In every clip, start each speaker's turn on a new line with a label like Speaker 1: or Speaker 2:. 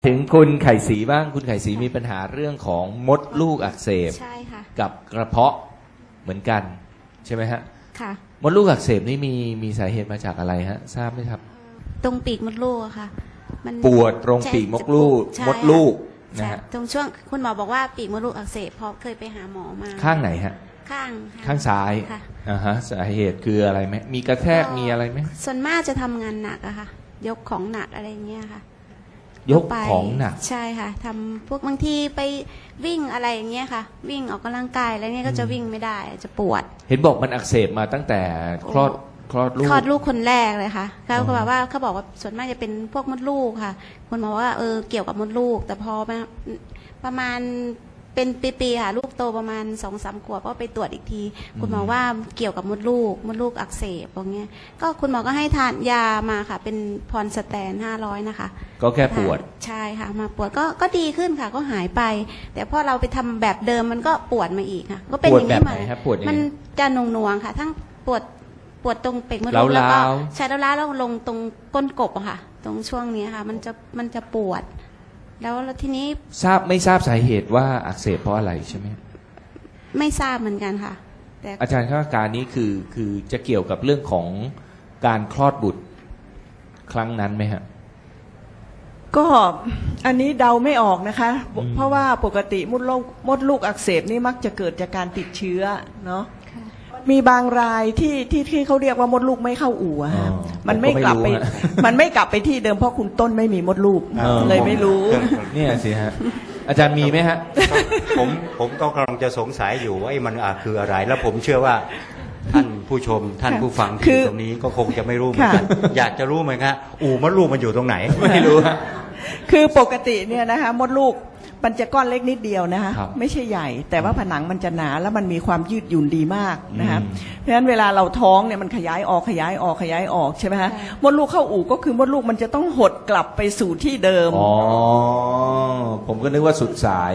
Speaker 1: ถึงคุณไข่สีบ้างคุณไข่สีมีปัญหาเรื่องของมดลูกอักเสบ
Speaker 2: ใช่ค่ะ
Speaker 1: กับกระเพาะเหมือนกันใช่ไหมฮะ
Speaker 2: ค่ะ
Speaker 1: มดลูกอักเสบนี่มีสาเหตุมาจากอะไรฮะทราบไหมครับ
Speaker 2: ตรงปีกมดลูกอะค่ะมัน
Speaker 1: ปวดตรงปีกมดลูกนะฮะ
Speaker 2: ตรงช่วงคุณหมอบอกว่าปีกมดลูกอักเสบพอเคยไปหาหมอมา
Speaker 1: ข้างไหนฮะ
Speaker 2: ข้าง
Speaker 1: ซ้ายฮะสาเหตุคืออะไรไหมมีกระแทกมีอะไรไหม
Speaker 2: ส่วนมากจะทำงานหนักอะค่ะยกของหนักอะไรเงี้ยค่ะ
Speaker 1: ยกของหนัก
Speaker 2: ใช่ค่ะทำพวกบางทีไปวิ่งอะไรอย่างเงี้ยค่ะวิ่งออกกำลังกายอะไรเงี้ยก็จะวิ่งไม่ได้จะปวด
Speaker 1: เห็นบอกมันอักเสบมาตั้งแต่คลอดลูก
Speaker 2: คนแรกเลยค่ะเขาบอกว่าส่วนมากจะเป็นพวกมดลูกค่ะคุณหมอว่าเกี่ยวกับมดลูกแต่พอมาประมาณเป็นปีๆค่ะลูกโตประมาณ 2-3 ขวบก็ไปตรวจอีกทีคุณหมอว่าเกี่ยวกับมดลูกอักเสบอย่างเงี้ยก็คุณหมอก็ให้ทานยามาค่ะเป็นพรสแตน500นะคะ
Speaker 1: ก็แค่ปวด
Speaker 2: ใช่ค่ะมาปวดก็ดีขึ้นค่ะก็หายไปแต่พอเราไปทำแบบเดิมมันก็ปวดมาอีกค่ะก็เป็นอย่างนี้มามันจะหน่วงๆค่ะทั้งปวดตรงเปกมดลูกแล้วก็ใช้แล้วลงตรงก้นกบอะค่ะตรงช่วงนี้ค่ะมันจะปวดแล้วทีนี้
Speaker 1: ไม่ทราบสาเหตุว่าอักเสบเพราะอะไรใช่ไหม
Speaker 2: ไม่ทราบเหมือนกันค่ะ
Speaker 1: แต่อาจารย์คาดการณ์นี้คือจะเกี่ยวกับเรื่องของการคลอดบุตรครั้งนั้นไหมฮะ
Speaker 3: ก็อันนี้เดาไม่ออกนะคะเพราะว่าปกติมดลูกอักเสบนี่มักจะเกิดจากการติดเชื้อเนาะมีบางรายที่เขาเรียกว่ามดลูกไม่เข้าอู่ฮะมันไม่กลับไปที่เดิมเพราะคุณต้นไม่มีมดลูกเลยไม่รู้
Speaker 1: เนี่ยสิฮะอาจารย์มีไหมฮะ
Speaker 4: ผมก็กำลังจะสงสัยอยู่ว่ามันคืออะไรแล้วผมเชื่อว่าท่านผู้ชมท่านผู้ฟังที่ตรงนี้ก็คงจะไม่รู้เหมือนกันอยากจะรู้ไหมครับมดลูกมันอยู่ตรงไหน
Speaker 1: ไม่รู้
Speaker 3: คือปกติเนี่ยนะคะมดลูกมันจะก้อนเล็กนิดเดียวนะคะไม่ใช่ใหญ่แต่ว่าผนังมันจะหนาแล้วมันมีความยืดหยุ่นดีมากนะคะเพราะฉะนั้นเวลาเราท้องเนี่ยมันขยายออกใช่ไหมคะมดลูกเข้าอู่ก็คือมดลูกมันจะต้องหดกลับไปสู่ที่เดิม
Speaker 1: อ๋อผมก็นึกว่าสุดสาย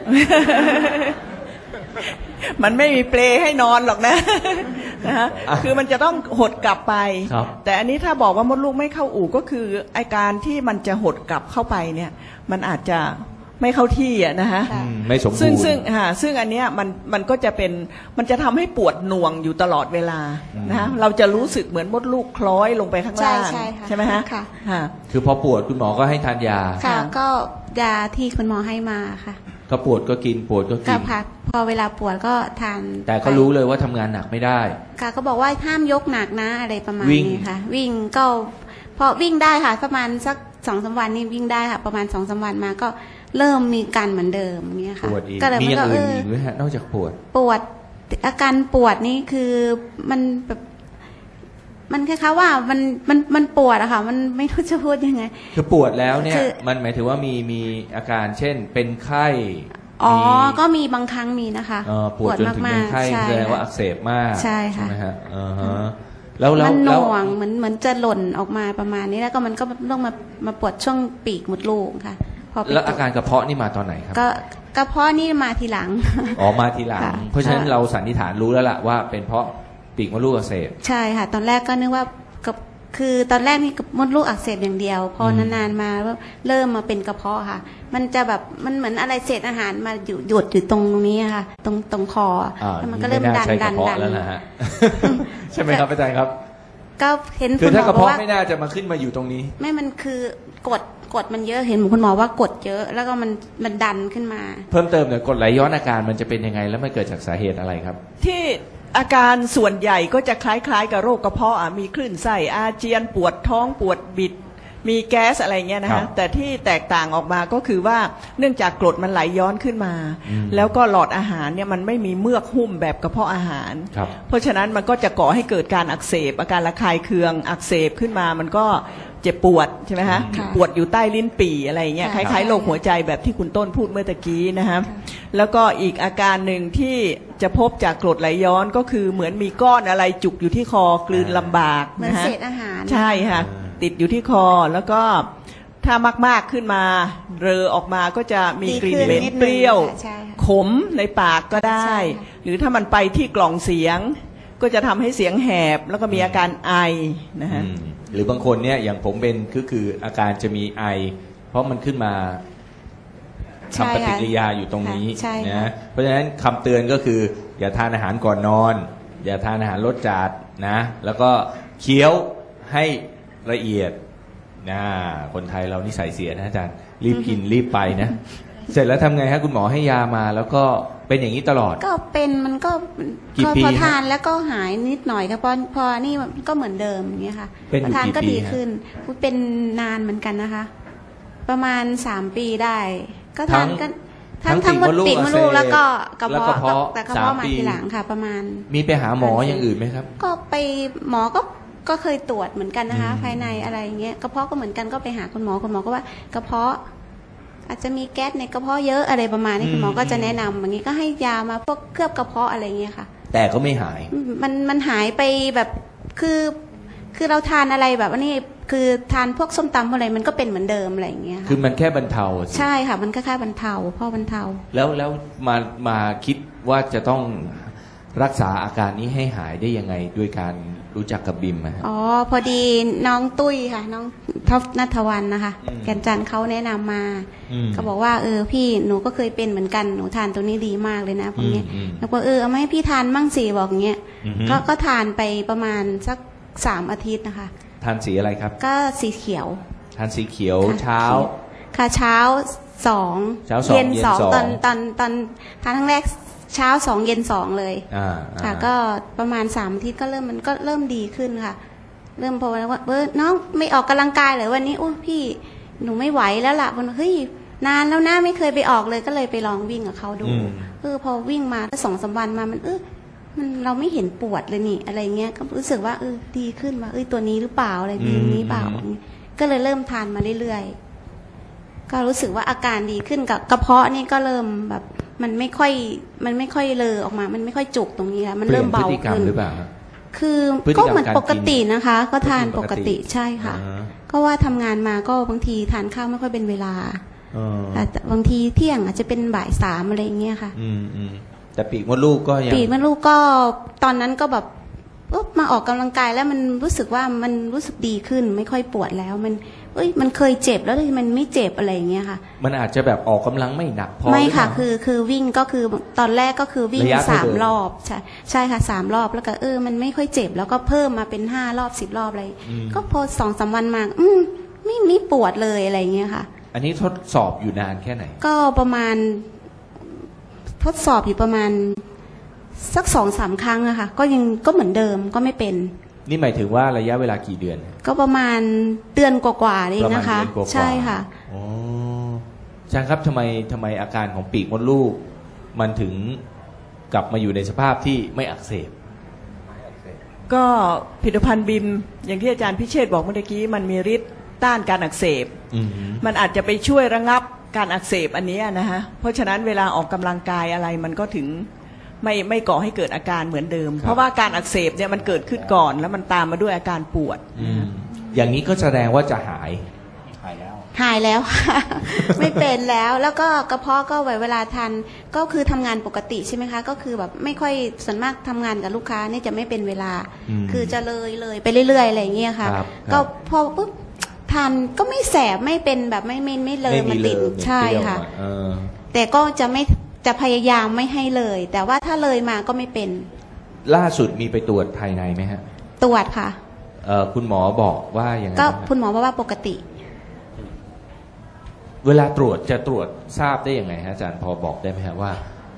Speaker 3: มันไม่มีเปลให้นอนหรอกนะนะคะคือมันจะต้องหดกลับไปแต่อันนี้ถ้าบอกว่ามดลูกไม่เข้าอู่ก็คืออาการที่มันจะหดกลับเข้าไปเนี่ยมันอาจจะไม่เข้าที่อ่ะนะฮะ
Speaker 1: ไม่สมบูรณ์
Speaker 3: ซึ่งอันเนี้ยมันก็จะเป็นมันจะทำให้ปวดหน่วงอยู่ตลอดเวลานะฮะเราจะรู้สึกเหมือนมดลูกคล้อยลงไปข้างล่างใช่ไหมฮะ
Speaker 1: คือพอปวดคุณหมอก็ให้ทานยา
Speaker 2: ค่ะก็ยาที่คุณหมอให้มาค่ะ
Speaker 1: ก็ปวดก็กินปวดก็กิน
Speaker 2: พอเวลาปวดก็ทาน
Speaker 1: แต่ก็รู้เลยว่าทำงานหนักไม่ได้
Speaker 2: ค่ะก็บอกว่าห้ามยกหนักนะอะไรประมาณนี้ค่ะวิ่งก็พอวิ่งได้ค่ะประมาณสัก 2-3 วันนี่วิ่งได้ค่ะประมาณ 2-3 วันมาก็เริ่มมีการเหมือนเดิมเนี่ยค่ะ
Speaker 1: ก็เลยมีอย่างอื่นอีกไหมฮะนอกจากปวด
Speaker 2: อาการปวดนี่คือมันแบบมันคล้ายๆว่ามันปวดอะค่ะมันไม่รู้จะพูดยังไง
Speaker 1: คือปวดแล้วเนี่ยมันหมายถึงว่ามีอาการเช่นเป็นไข้
Speaker 2: ก็มีบางครั้งมีนะคะ
Speaker 1: ปวดจนถึงเป็นไข้แสดงว่าอักเสบมาก
Speaker 2: ใช่ค่ะ
Speaker 1: ไหมฮะ
Speaker 2: แล้วมันหน่วงเหมือนจะหล่นออกมาประมาณนี้แล้วก็มันก็ต้องมาปวดช่วงปีกมดลูกค่ะ
Speaker 1: แล้วอาการกระเพาะนี่มาตอนไหนครับ
Speaker 2: ก็กระเพาะนี่มาทีหลัง
Speaker 1: มาทีหลังเพราะฉะนั้นเราสันนิษฐานรู้แล้วล่ะว่าเป็นเพราะปีกมดลูกอักเสบ
Speaker 2: ใช่ค่ะตอนแรกก็นึกว่าคือตอนแรกนี่มดลูกอักเสบอย่างเดียวพอนานๆมาเริ่มมาเป็นกระเพาะค่ะมันจะแบบมันเหมือนอะไรเศษอาหารมาหยุดอยู่ตรงนี้ค่ะตรงคอแล้วมันก็เริ่มดัน
Speaker 1: แล้วนะฮะใช่ไหมครับอาจารย์ครับ
Speaker 2: ก็เห็น
Speaker 1: คือถ้ากระเพาะไม่น่าจะมาขึ้นมาอยู่ตรงนี้
Speaker 2: ไม่มันคือกดมันเยอะเห็นคุณหมอว่ากดเยอะแล้วก็มันดันขึ้นมา
Speaker 1: เพิ่มเติมหน่อยกดไหลย้อนอาการมันจะเป็นยังไงแล้วมันเกิดจากสาเหตุอะไรครับ
Speaker 3: ที่อาการส่วนใหญ่ก็จะคล้ายๆกับโรคกระเพาะมีคลื่นไส้อาเจียนปวดท้องปวดบิดมีแก๊สอะไรเงี้ยนะฮะแต่ที่แตกต่างออกมาก็คือว่าเนื่องจากกรดมันไหลย้อนขึ้นมาแล้วก็หลอดอาหารเนี่ยมันไม่มีเมือกหุ้มแบบกระเพาะอาหารเพราะฉะนั้นมันก็จะก่อให้เกิดการอักเสบอาการระคายเคืองอักเสบขึ้นมามันก็เจ็บปวดใช่ไหมฮะปวดอยู่ใต้ลิ้นปี่อะไรเงี้ยคล้ายๆโรคหัวใจแบบที่คุณต้นพูดเมื่อตะกี้นะฮะแล้วก็อีกอาการหนึ่งที่จะพบจากกรดไหลย้อนก็คือเหมือนมีก้อนอะไรจุกอยู่ที่คอกลืนลำบาก
Speaker 2: นะฮะเศษอาหาร
Speaker 3: ใช่ค่ะติดอยู่ที่คอแล้วก็ถ้ามากๆขึ้นมาเรอออกมาก็จะมีกลิ่นเหม็นเปรี้ยวขมในปากก็ได้หรือถ้ามันไปที่กล่องเสียงก็จะทำให้เสียงแหบแล้วก็มีอาการไอนะฮะ
Speaker 1: หรือบางคนเนี่ยอย่างผมเป็นคืออาการจะมีไอเพราะมันขึ้นมา
Speaker 2: ใช่
Speaker 1: ทำปฏิ
Speaker 2: ค่ะ
Speaker 1: กิริยาอยู่ตรงนี้
Speaker 2: ใช่ค่ะ
Speaker 1: นะเพราะฉะนั้นคำเตือนก็คือ อย่าทานอาหารก่อนนอน อย่าทานอาหารรสจัดนะแล้วก็เคี้ยวให้ละเอียดนะคนไทยเรานิสัยเสียนะอาจารย์รีบกินรีบไปนะ เสร็จแล้วทำไงฮะคุณหมอให้ยามาแล้วก็เป็นอย่างนี้ตลอด
Speaker 2: ก็เป็นมันก็
Speaker 1: กี่ปี
Speaker 2: พอ
Speaker 1: ฮะ
Speaker 2: ทานแล้วก็หายนิดหน่อยค่ะพอนี่มันก็เหมือนเดิมอย่างเงี้ยค่ะ
Speaker 1: เป็นอยู่
Speaker 2: พอทาน
Speaker 1: กี่
Speaker 2: ก็
Speaker 1: ปี
Speaker 2: ดี
Speaker 1: ฮะ
Speaker 2: ขึ้นเป็นนานเหมือนกันนะคะ ประมาณ3 ปีได้ ก็ทานก็ทั้งหมดปีกมดลูกแล้วก็กระเพาะแต่กระเพาะมาทีหลังค่ะ ประมาณ
Speaker 1: มีไปหาหมออย่างอื่นไหมครับ
Speaker 2: ก็ไปหมอก็เคยตรวจเหมือนกันนะคะ ภายในอะไรอย่างเงี้ยกระเพาะก็เหมือนกันก็ไปหาคุณหมอก็ว่ากระเพาะ อาจจะมีแก๊สในกระเพาะเยอะอะไรประมาณนี้คุณหมอก็จะแนะนำอย่างนี้ก็ให้ยามาพวกเคลือบกระเพาะอะไรเงี้ยค่ะ
Speaker 1: แต่ก็ไม่หาย
Speaker 2: มันหายไปแบบคือเราทานอะไรแบบว่านี่คือทานพวกส้มตำอะไรมันก็เป็นเหมือนเดิมอะไรอย่างเงี้ย
Speaker 1: คือ
Speaker 2: ค่ะ
Speaker 1: มันแค่บรรเทาสิ
Speaker 2: ใช่ค่ะ มันก็แค่บรรเทาพ่อบรรเทา
Speaker 1: แล้วมาคิดว่าจะต้องรักษาอาการนี้ให้หายได้ยังไงด้วยการรู้จักกับบิมอะฮะ
Speaker 2: อ๋อพอดีน้องตุ้ยค่ะน้องท็อปณัฐวรรณนะคะ แก่นจันทร์เขาแนะนำมา ก็บอกว่าพี่หนูก็เคยเป็นเหมือนกันหนูทานตัวนี้ดีมากเลยนะพวกนี้แล้วก็เอามาให้พี่ทานมั่งสิบอกอย่างเงี้ยก็ทานไปประมาณสัก3 อาทิตย์นะคะ
Speaker 1: ทานสีอะไรครับ
Speaker 2: ก็สีเขียว
Speaker 1: ทานสีเขียว
Speaker 2: ค่ะ
Speaker 1: เช้า
Speaker 2: ค่ะเช้า2
Speaker 1: เช้า2
Speaker 2: เย็น
Speaker 1: เย็น
Speaker 2: 2
Speaker 1: 2
Speaker 2: ตอนทานครั้งแรกเช้า2 เย็น2เลย ค่ะก็ประมาณ3 อาทิตย์ก็มันก็เริ่มดีขึ้นค่ะ เริ่มพอว่าน้องไม่ออกกำลังกายเลยวันนี้พี่หนูไม่ไหวแล้วล่ะวันเฮ้ยนานแล้วนะไม่เคยไปออกเลยก็เลยไปลองวิ่งกับเขาดูพอวิ่งมาก็2-3 วันมามันเราไม่เห็นปวดเลยนี่อะไรเงี้ยก็รู้สึกว่าดีขึ้นว่าตัวนี้หรือเปล่าอะไรดีนี้เปล่าก็เลยเริ่มทานมาเรื่อยๆก็รู้สึกว่าอาการดีขึ้นกับกระเพาะนี่ก็เริ่มแบบมันไม่ค่อยเลอออกมามันไม่ค่อยจุกตรงนี้แล้วมันเริ่มเบา
Speaker 1: พฤติกรรม
Speaker 2: ขึ้น
Speaker 1: หรือเปล่า
Speaker 2: คือ
Speaker 1: พฤติกรรม
Speaker 2: ก็เหมือนปกตินะคะ ก็ทานปกติ
Speaker 1: ปกติ
Speaker 2: ใช่ค่ะ ก็ว่าทำงานมาก็บางทีทานข้าวไม่ค่อยเป็นเวลาแต่บางทีเที่ยงอาจจะเป็นบ่าย3อะไรอย่างเงี้ยค่ะ
Speaker 1: แต่ปีกมดลูกก็ยัง
Speaker 2: ปีกมดลูกก็ตอนนั้นก็แบบมาออกกำลังกายแล้วมันรู้สึกว่ามันรู้สึกดีขึ้นไม่ค่อยปวดแล้วมันเคยเจ็บแล้วมันไม่เจ็บอะไรอย่างเงี้ยค่ะ
Speaker 1: มันอาจจะแบบออกกำลังไม่หนักพอ
Speaker 2: ไม่ค่ะ
Speaker 1: หรือเปล่า
Speaker 2: คือวิ่งก็คือตอนแรกก็คือวิ่ง
Speaker 1: ระยะเท่าเดิม
Speaker 2: 3 รอบใช่ค่ะ3 รอบแล้วก็มันไม่ค่อยเจ็บแล้วก็เพิ่มมาเป็น5 รอบ10 รอบอะไรก็พอ2-3 วันมาไม่ปวดเลยอะไรอย่างเงี้ยค่ะ
Speaker 1: อันนี้ทดสอบอยู่นานแค่ไหน
Speaker 2: ก็ประมาณทดสอบอยู่ประมาณสัก2-3 ครั้งอะค่ะก็เหมือนเดิมก็ไม่เป็น
Speaker 1: นี่หมายถึงว่าระยะเวลากี่เดือน
Speaker 2: ก็ประมาณเดือนกว่าๆเองนะคะ
Speaker 1: ประมาณเดือนกว่าๆ
Speaker 2: ใช่ค่ะ
Speaker 1: อ๋ออาจารย์ครับทำไมอาการของปีกมดลูก มันถึงกลับมาอยู่ในสภาพที่ไม่อักเสบ
Speaker 3: ก็ผลิตภัณฑ์บิมอย่างที่อาจารย์พิเชษฐ์บอกเมื่อกี้มันมีฤทธิ์ต้านการอักเสบ มันอาจจะไปช่วยระงับการอักเสบอันนี้นะฮะเพราะฉะนั้นเวลาออกกำลังกายอะไรมันก็ถึงไม่ก่อให้เกิดอาการเหมือนเดิม เพราะว่าการอักเสบเนี่ยมันเกิดขึ้นก่อนแล้วมันตามมาด้วยอาการปวด
Speaker 1: อย่างนี้ก็แสดงว่าจะหาย
Speaker 2: หายแล้วค่ะ ไม่เป็นแล้วก็กระเพาะก็เวลาทานก็คือทำงานปกติใช่ไหมคะก็คือแบบไม่ค่อยส่วนมากทำงานกับลูกค้านี่จะไม่เป็นเวลา คือจะเลยไปเรื่อยๆอะไรอย่างเงี้ยค่ะ
Speaker 1: ครับ
Speaker 2: ก็พอปุ๊บทานก็ไม่แสบไม่เป็นแบบไม่เลยมันติดใช่ค่ะ แต่ก็จะพยายามไม่ให้เลย แต่ว่าถ้าเลยมาก็ไม่เป็น
Speaker 1: ล่าสุดมีไปตรวจภายในไหมฮะ
Speaker 2: ตรวจค่ะ
Speaker 1: คุณหมอบอกว่าอย่างไร
Speaker 2: ก็
Speaker 1: บ้าง
Speaker 2: คุณหมอบอกว่าปกติ
Speaker 1: เวลาตรวจจะตรวจทราบได้ยังไงฮะอาจารย์พอบอกได้ไหมฮะว่า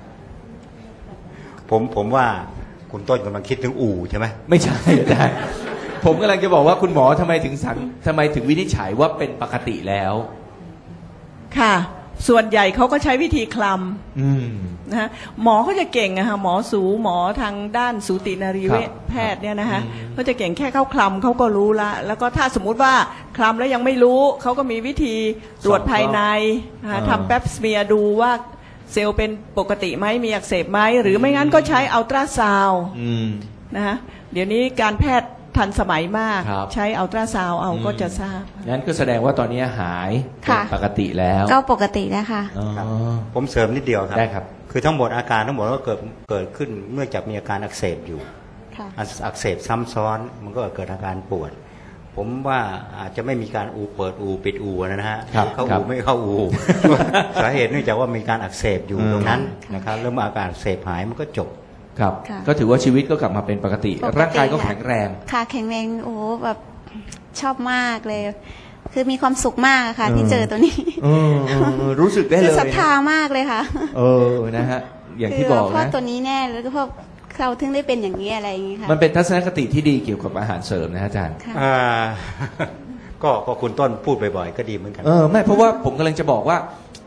Speaker 4: ผมว่าคุณต้นกำลังคิดถึงอู่ใช่ไหม
Speaker 1: ไม่ใช่อาจารย์ผมกำลังจะบอกว่าคุณหมอทำไมถึงวินิจฉัยว่าเป็นปกติแล้ว
Speaker 3: ค่ะ ส่วนใหญ่เขาก็ใช้วิธีคลำนะฮะหมอเขาจะเก่งอะค่ะหมอหมอทางด้านสูตินรีเวชแพทย์เนี่ยนะคะเขาจะเก่งแค่เขาคลำเขาก็รู้ละแล้วก็ถ้าสมมุติว่าคลำแล้วยังไม่รู้เขาก็มีวิธีตรวจภายในทำแป๊บสเมียร์ดูว่าเซลล์เป็นปกติไหมมีอักเสบไหมหรือไม่งั้นก็ใช้อัลตราซาวด์นะฮะเดี๋ยวนี้การแพทย์ทันสมัยมากใช้อัลตราซาวด์เอาก็จะทราบ
Speaker 1: งั้นก็แสดงว่าตอนนี้หาย
Speaker 2: ค่ะ
Speaker 1: ปกติแล้ว
Speaker 2: ก็ปกติแล้วค่ะ
Speaker 4: ผมเสริมนิดเดียวครับ
Speaker 1: ได้ครับ
Speaker 4: คือทั้งหมดอาการทั้งหมดก็เกิดขึ้นเมื่อจากมีอาการอักเสบอยู่
Speaker 2: ค่ะ
Speaker 4: อักเสบซ้ำซ้อนมันก็เกิดอาการปวดผมว่าอาจจะไม่มีการเปิดปิดนะฮะ
Speaker 1: ครับ
Speaker 4: เข้าไม่เข้าสาเหตุเนื่องจากว่ามีการอักเสบอยู่ตรงนั้นนะครับแล้วเมื่ออาการอักเสบหายมันก็จบ
Speaker 1: ครับ
Speaker 2: ค่ะ
Speaker 1: ก็ถือว่าชีวิตก็กลับมาเป็นปกติ
Speaker 2: ปกติ
Speaker 1: ร่างกายก็แข็งแรง
Speaker 2: ค่ะแข็งแรงโอ้โหแบบชอบมากเลย คือมีความสุขมากค่ะ ที่เจอตัวนี้
Speaker 1: รู้สึกได้
Speaker 2: คื
Speaker 1: เล
Speaker 2: อย ศรัทธามากเลยค่ะ
Speaker 1: นะฮะอย่างที่บอก
Speaker 2: เพราะ
Speaker 1: นะ
Speaker 2: ตัวนี้แน่แล้วก็เพราะเราถึงได้เป็นอย่างนี้อะไรอย่างนี้ค่ะ
Speaker 1: มันเป็นทัศนคติที่ดีเกี่ยวกับอาหารเสริมนะอาจารย์
Speaker 2: ค่ะ
Speaker 4: ก็คุณต้นพูดบ่อยๆก็ดีเหมือนกัน
Speaker 1: ไม่เพราะว่าผมกำลังจะบอกว่า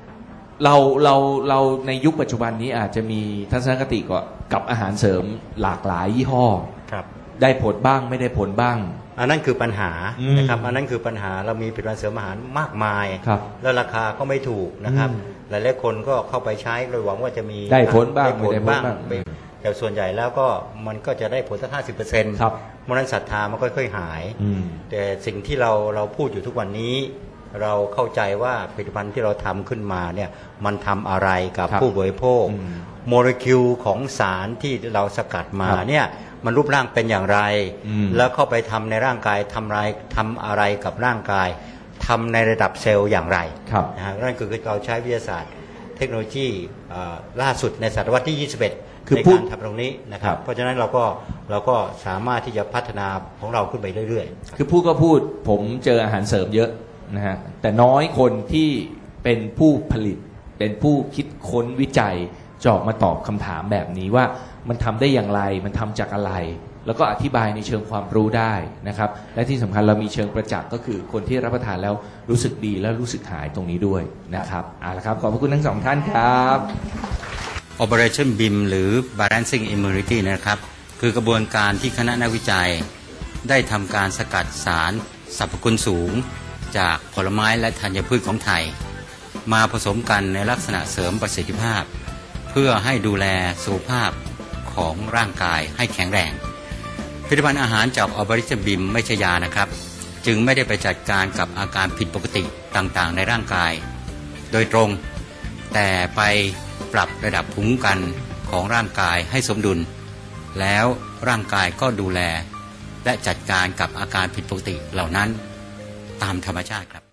Speaker 1: เราในยุคปัจจุบันนี้อาจจะมีทัศนคติกับอาหารเสริมหลากหลายยี่ห้อ
Speaker 4: ครับ
Speaker 1: ได้ผลบ้างไม่ได้ผลบ้าง
Speaker 4: อันนั้นคือปัญหา
Speaker 1: อืม
Speaker 4: นะครับอันนั้นคือปัญหาเรามีผลิตภัณฑ์เสริมอาหารมากมาย
Speaker 1: ครับ
Speaker 4: แล้วราคาก็ไม่ถูกนะครับ
Speaker 1: อืม
Speaker 4: หลายๆคนก็เข้าไปใช้โดยหวังว่าจะมี
Speaker 1: ได้ผลบ้าง
Speaker 4: ได้ผล
Speaker 1: ไม่ได้ผล
Speaker 4: บ้าง
Speaker 1: บ้าง
Speaker 4: แต่ส่วนใหญ่แล้วก็มันก็จะได้ผลสัก50%
Speaker 1: ครับ
Speaker 4: เพราะฉะนั้นศรัทธามันค่อยๆหาย
Speaker 1: อืม
Speaker 4: แต่สิ่งที่เราพูดอยู่ทุกวันนี้ เราเข้าใจว่าผลิตภัณฑ์ที่เราทำขึ้นมาเนี่ยมันทำอะไรกับ
Speaker 1: ครับ
Speaker 4: ผู้บริโภค
Speaker 1: อืม
Speaker 4: โมเลกุลของสารที่เราสกัดมา
Speaker 1: ครับ
Speaker 4: เนี่ยมันรูปร่างเป็นอย่างไร
Speaker 1: อืม
Speaker 4: แล้วเข้าไปทำในร่างกายทำอะไรกับร่างกายทำในระดับเซลล์อย่างไร
Speaker 1: ครับ
Speaker 4: นะฮะนั่นคือเราใช้วิทยาศาสตร์เทคโนโลยีล่าสุดในศตวรรษที่ 21
Speaker 1: คือ
Speaker 4: ใน
Speaker 1: พูด
Speaker 4: การทำตรงนี้นะค
Speaker 1: ครั
Speaker 4: รับ
Speaker 1: บ
Speaker 4: เพราะฉะนั้นเราก็สามารถที่จะพัฒนาของเราขึ้นไปเรื่อยๆ
Speaker 1: คือพูดก็พูดผมเจออาหารเสริมเยอะนะฮะแต่น้อยคนที่เป็นผู้ผลิต เป็นผู้คิดค้นวิจัยจะออกมาตอบคำถามแบบนี้ว่ามันทำได้อย่างไรมันทำจากอะไร แล้วก็อธิบายในเชิงความรู้ได้นะครับและที่สำคัญเรามีเชิงประจักษ์ก็คือคนที่รับประทานแล้วรู้สึกดีและรู้สึกหายตรงนี้ด้วยนะครับเอาละครับขอบพระคุณทั้งสองท่านครับ
Speaker 4: Operation BIM หรือ Balancing Immunity นะครับคือกระบวนการที่คณะนักวิจัยได้ทำการสกัดสารสรรพคุณสูงจากผลไม้และธัญพืชของไทย มาผสมกันในลักษณะเสริมประสิทธิภาพ เพื่อให้ดูแลสุขภาพของร่างกายให้แข็งแรงผลิตภัณฑ์อาหารจาก Operation BIM ไม่ใช่ยานะครับจึงไม่ได้ไปจัดการกับอาการผิดปกติต่างๆในร่างกายโดยตรงแต่ไปปรับระดับภูมิคุ้มกันของร่างกายให้สมดุลแล้วร่างกายก็ดูแลและจัดการกับอาการผิดปกติเหล่านั้นตามธรรมชาติครับ